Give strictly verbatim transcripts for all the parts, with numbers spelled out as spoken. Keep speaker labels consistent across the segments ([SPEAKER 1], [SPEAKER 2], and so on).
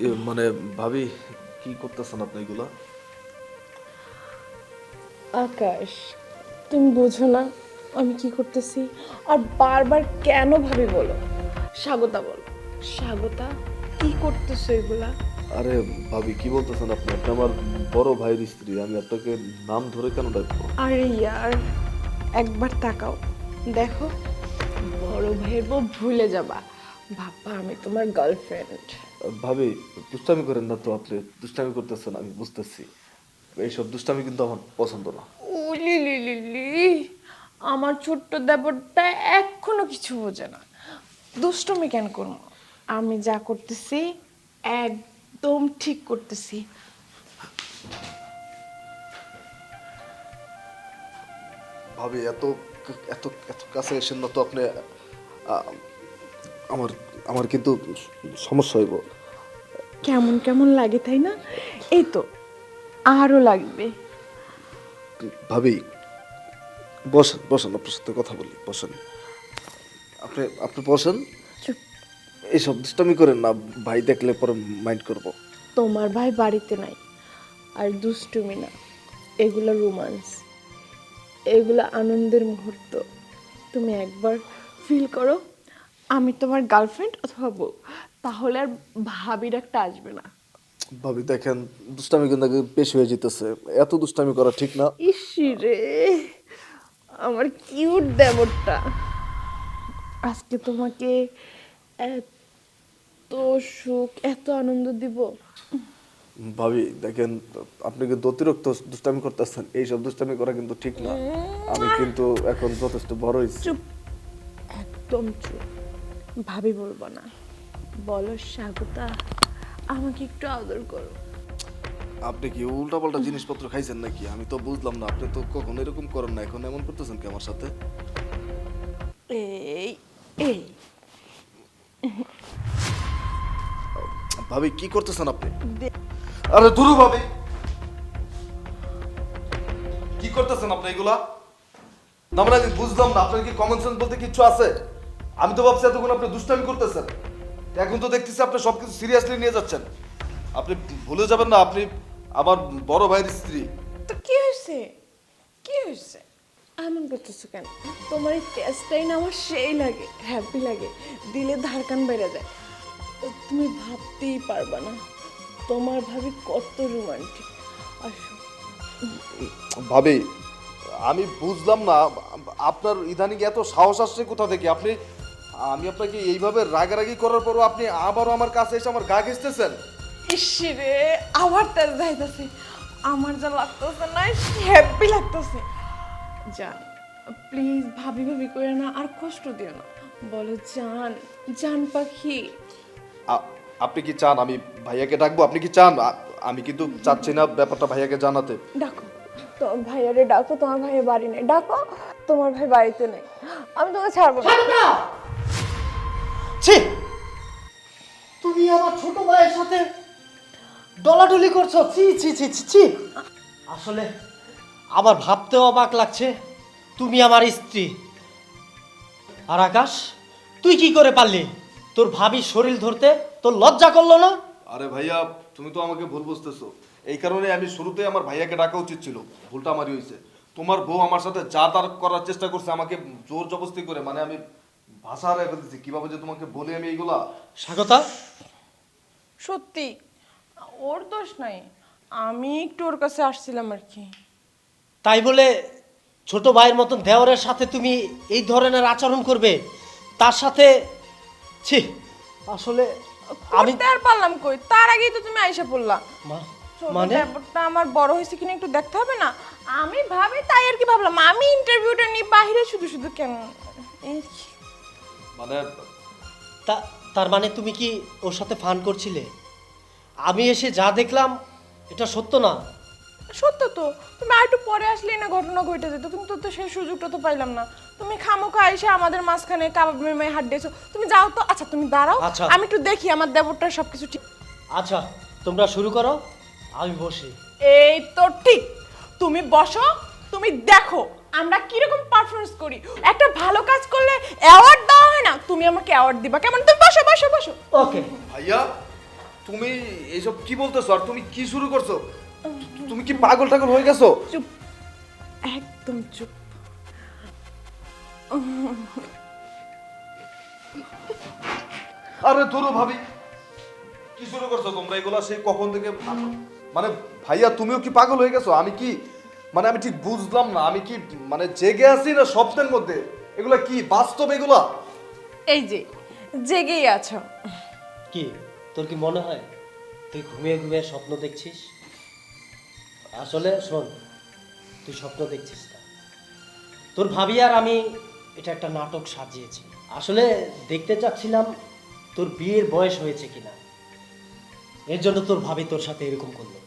[SPEAKER 1] মানে ভাবি কি করতেছেন আপনি এগুলা?
[SPEAKER 2] আকাশ, তুমি বোঝো না আমি কি করতেছি? আর বারবার কেন ভাবি বলো? স্বাগতা বলো, স্বাগতা কি করতেছো এগুলা?
[SPEAKER 1] আরে ভাবি কি বলতেছেন আপনি? আপনি আমার বড় ভাইয়ের স্ত্রী, আমি আপনাকে নাম ধরে কেন ডাকবো?
[SPEAKER 2] আরে ইয়ার, একবার তাকাও, দেখো, বড় ভাইয়ের বউ ভুলে যাবা, ভাববা আমি তোমার গার্লফ্রেন্ড।
[SPEAKER 1] ভাবি দুষ্টামি করেন না তো, আপনি দুষ্টামি করতেছেন আমি বুঝতেছি। এইসব দুষ্টামি কিন্তু আমার পছন্দ না।
[SPEAKER 2] উলি লি লি লি, আমার ছোট্ট দেবরটা এখনো কিছু বোঝে না। দুষ্টমি কেন করবো? আমি যা করতেছি একদম ঠিক করতেছি।
[SPEAKER 1] ভাবি এত এত এত কাছে এসেন না তো আপনি। আ- আমার আমার কিন্তু সমস্যা হইব।
[SPEAKER 2] কেমন কেমন লাগে তাই না? এই তো, আরো লাগবে।
[SPEAKER 1] ভাবি বসেন বসেন, আপনার সাথে কথা বলি, বসেন। আপনি আপনি বসেন।
[SPEAKER 2] চুপ।
[SPEAKER 1] এইসব দুষ্টামি করেন না, ভাই দেখলে পরে মাইন্ড করব।
[SPEAKER 2] তোমার ভাই বাড়িতে নাই, আর দুষ্টুমি না, এগুলো রোমান্স, এগুলো আনন্দের মুহূর্ত। তুমি একবার ফিল করো আমি তোমার গার্লফ্রেন্ড অথবা বউ, তাহলে আর ভাবির একটা আসবে না।
[SPEAKER 1] ভাবি দেখেন, দুষ্টামি কিন্তু বেশি হয়ে যেতেছে, এত দুষ্টামি করা ঠিক না।
[SPEAKER 2] ইসি রে, আমার কিউট দেবরটা আজকে তোমাকে এত সুখ এত আনন্দ দিব।
[SPEAKER 1] ভাবি দেখেন, আপনি কিন্তু অতিরিক্ত দুষ্টামি করতেছেন, এইসব দুষ্টামি করা কিন্তু ঠিক না। আমি কিন্তু এখন যথেষ্ট বড় হয়েছি।
[SPEAKER 2] চুপ, একদম চুপ, ভাবি বলবো না, বলো স্বাগতা আমাকে একটু আদর করো।
[SPEAKER 1] আপনি কি উল্টাপাল্টা জিনিসপত্র খাইছেন নাকি? আমি তো বুঝলাম না, আপনি তো কখনো এরকম করেন না, এখন এমন করতেছেন কি আমার সাথে?
[SPEAKER 2] এই এই
[SPEAKER 1] ভাবি কি করতেছেন আপনি?
[SPEAKER 2] দে-
[SPEAKER 1] আরে ধুরু ভাবি, কি করতেছেন আপনি এগুলা? না মানে আমি বুঝলাম না, আপনার কি কমন সেন্স বলতে কিছু আছে? আমি তো ভাবছি এতক্ষণ আপনি দুষ্টামি করতেছেন, এখন তো দেখতেছি আপনি সবকিছু সিরিয়াসলি নিয়ে যাচ্ছেন। আপনি ভুলে যাবেন না, আপনি আমার বড় ভাইয়ের স্ত্রী।
[SPEAKER 2] তো কি হয়েছে, কি হয়েছে এমন করতেছো কেন? তোমার এই টেস্টটাই না আমার সেই লাগে, হ্যাপি লাগে, দিলে ধারকান বেড়ে যায়। তো তুমি ভাবতেই পারবা না তোমার ভাবি কত রোমান্টিক। আসো।
[SPEAKER 1] ভাবি আমি বুঝলাম না, আপনার ইদানিং এত সাহস আসছে কোথা থেকে? আপনি, আমি আপনাকে এইভাবে রাগারাগি করার পরও আপনি আবারও আমার কাছে এসে আমার গা ঘেঁষতেছেন।
[SPEAKER 2] ইসিরে, আবার তেজ যাইতেছে, আমার যা লাগতেছে না, হ্যাপি লাগতেছে। জান, প্লিজ ভাবি ভাবি করে না, আর কষ্ট দিও না, বলো জান, জান পাখি।
[SPEAKER 1] আ- আপনি কি চান আমি ভাইয়াকে ডাকবো? আপনি কি চান? আ- আমি কিন্তু চাচ্ছি না ব্যাপারটা ভাইয়াকে জানাতে।
[SPEAKER 2] ডাকো, তোমার ভাইয়ারে ডাকো, তোমার ভাইয়ের বাড়ি নেই, ডাকো, তোমার ভাই বাড়িতে নেই, আমি তোমাকে ছাড়বো না।
[SPEAKER 3] ছাড়ো না! ছি! তুমি আমার ছোট ভাইয়ের সাথে ডলাডলি করছো, ছি ছি ছি ছি ছি। আসলে আমার ভাবতেও অবাক লাগছে, তুমি আমার স্ত্রী। আর আকাশ, তুই কি করে পারলি তোর ভাবির শরীর ধরতে? তোর লজ্জা করলো না?
[SPEAKER 1] আরে ভাইয়া, তুমি তো আমাকে ভুল বুঝতেছো। এই কারণে আমি শুরুতে আমার ভাইয়াকে ডাকা উচিত ছিল, ভুলটা আমারই হয়েছে। তোমার বউ আমার সাথে যা তার করার চেষ্টা করছে, আমাকে জোর জবরদস্তি করে, মানে আমি ভাষা হারাই ফেলতেছি, কিভাবে যে তোমাকে বলি আমি এইগুলা।
[SPEAKER 3] স্বাগতা,
[SPEAKER 2] সত্যি ওর দোষ নাই, আমি একটু ওর কাছে আসছিলাম আর কি।
[SPEAKER 3] তাই বলে ছোট ভাইয়ের মতন দেওরের সাথে তুমি এই ধরনের আচরণ করবে? তার সাথে, ছি, আসলে আমি
[SPEAKER 2] করতে আর পারলাম কই, তার আগেই তো তুমি আইসা পড়লা।
[SPEAKER 3] মা-
[SPEAKER 2] ছোট
[SPEAKER 3] মানে
[SPEAKER 2] ব্যাপারটা আমার বড় হয়েছে কিনা একটু দেখতে হবে না? আমি ভাবি তাই আর কি ভাবলাম, আমি ইন্টারভিউটা নিয়ে বাইরে শুধু শুধু কেন এই
[SPEAKER 1] মানে
[SPEAKER 3] তা তার মানে তুমি কি ওর সাথে ফান করছিলে? আমি এসে যা দেখলাম এটা সত্য না।
[SPEAKER 2] সত্য তো, তুমি আর একটু পরে আসলেই না ঘটনা ঘটে যেত, কিন্তু তো সেই সুযোগটা তো পাইলাম না। তুমি খামোখা এসে আমাদের মাঝখানে কাবাব মেয়ে হাত দিয়েছো, তুমি যাও তো। আচ্ছা তুমি দাঁড়াও,
[SPEAKER 3] আচ্ছা।
[SPEAKER 2] আমি একটু দেখি আমার দেবরটার সবকিছু ঠিক।
[SPEAKER 3] আচ্ছা, তোমরা শুরু করো, আমি বসি।
[SPEAKER 2] এই তো ঠিক, তুমি বসো, তুমি দেখো আমরা কিরকম পারফরমেন্স করি। একটা ভালো কাজ করলে অ্যাওয়ার্ড দেওয়া হয় না, তুমি আমাকে অ্যাওয়ার্ড দিবা কেমন? তুমি বসো বসো বসো।
[SPEAKER 3] ওকে।
[SPEAKER 1] ভাইয়া, তুমি এইসব কি বলতেছো আর তুমি কি শুরু করছো? তুমি কি পাগল টাগল হয়ে গেছো?
[SPEAKER 2] চুপ, একদম চুপ।
[SPEAKER 1] আরে ধরো ভাবি, কি শুরু করছো তোমরা এগুলা? সেই কখন থেকে মানে ভাইয়া তুমিও কি পাগল হয়ে গেছো? আমি কি মানে আমি ঠিক বুঝলাম না, আমি কি মানে জেগে আছি না স্বপ্নের মধ্যে? এগুলা কি বাস্তব এগুলা?
[SPEAKER 2] এই যে জেগেই আছো।
[SPEAKER 3] কি তোর কি মনে হয় তুই ঘুমিয়ে ঘুমিয়ে স্বপ্ন দেখছিস? আসলে শোন, তুই স্বপ্ন দেখছিস না, তোর ভাবি আর আমি এটা একটা নাটক সাজিয়েছি। আসলে দেখতে চাচ্ছিলাম তোর বিয়ের বয়স হয়েছে কিনা, এর জন্য তোর ভাবি তোর সাথে এরকম করলো।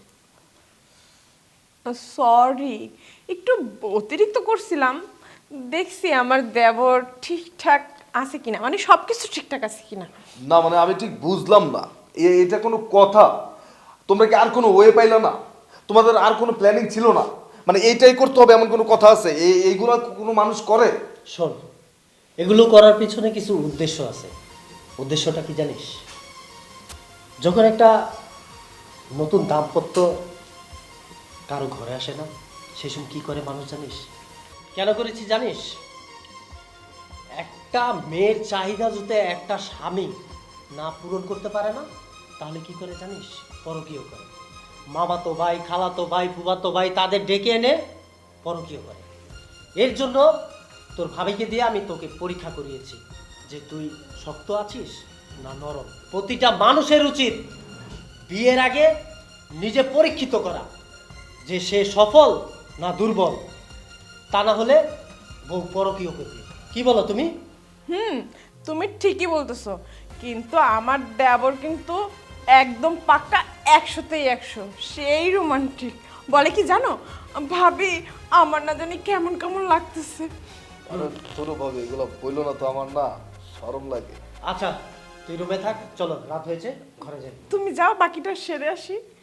[SPEAKER 2] সরি, একটু অতিরিক্ত করছিলাম। দেখছি আমার দেবর ঠিকঠাক আছে কিনা, মানে সবকিছু ঠিকঠাক আছে কিনা।
[SPEAKER 1] না মানে আমি ঠিক বুঝলাম না, এ- এটা কোনো কথা? তোমরা কি আর কোনো ওয়ে পাইলা না? তোমাদের আর কোনো প্ল্যানিং ছিল না? মানে এইটাই করতে হবে এমন কোনো কথা আছে? এই এইগুলা কোনো মানুষ করে?
[SPEAKER 3] শোন, এগুলো করার পিছনে কিছু উদ্দেশ্য আছে। উদ্দেশ্যটা কি জানিস? যখন একটা নতুন দাম্পত্য কারো ঘরে আসে না, সেই সময় কি করে মানুষ জানিস? কেন করেছি জানিস? একটা মেয়ের চাহিদা যদি একটা স্বামী না পূরণ করতে পারে না, তাহলে কি করে জানিস? পরকীয় করে। মামাতো ভাই, খালাতো ভাই, ফুফাতো ভাই তাদের ডেকে এনে পরকীয় করে। এর জন্য তোর ভাবিকে দিয়ে আমি তোকে পরীক্ষা করিয়েছি যে তুই শক্ত আছিস না নরম। প্রতিটা মানুষের উচিত বিয়ের আগে নিজে পরীক্ষিত করা যে সে সফল না দুর্বল, তা না হলে বউ পরকীয় করবে। কি বলো তুমি?
[SPEAKER 2] হুম, তুমি ঠিকই বলতেছো, কিন্তু আমার দেবর কিন্তু একদম পাক্কা একশোতেই একশো, সেই রোমান্টিক। বলে কি জানো, ভাবি আমার না জানি কেমন কেমন লাগতেছে।
[SPEAKER 1] আরে ছোট ভাবে এগুলো বললো না তো, আমার না শরম লাগে।
[SPEAKER 3] আচ্ছা তুই রুমে থাক, চলো রাত হয়েছে, ঘরে যাই।
[SPEAKER 2] তুমি যাও, বাকিটা সেরে আসি।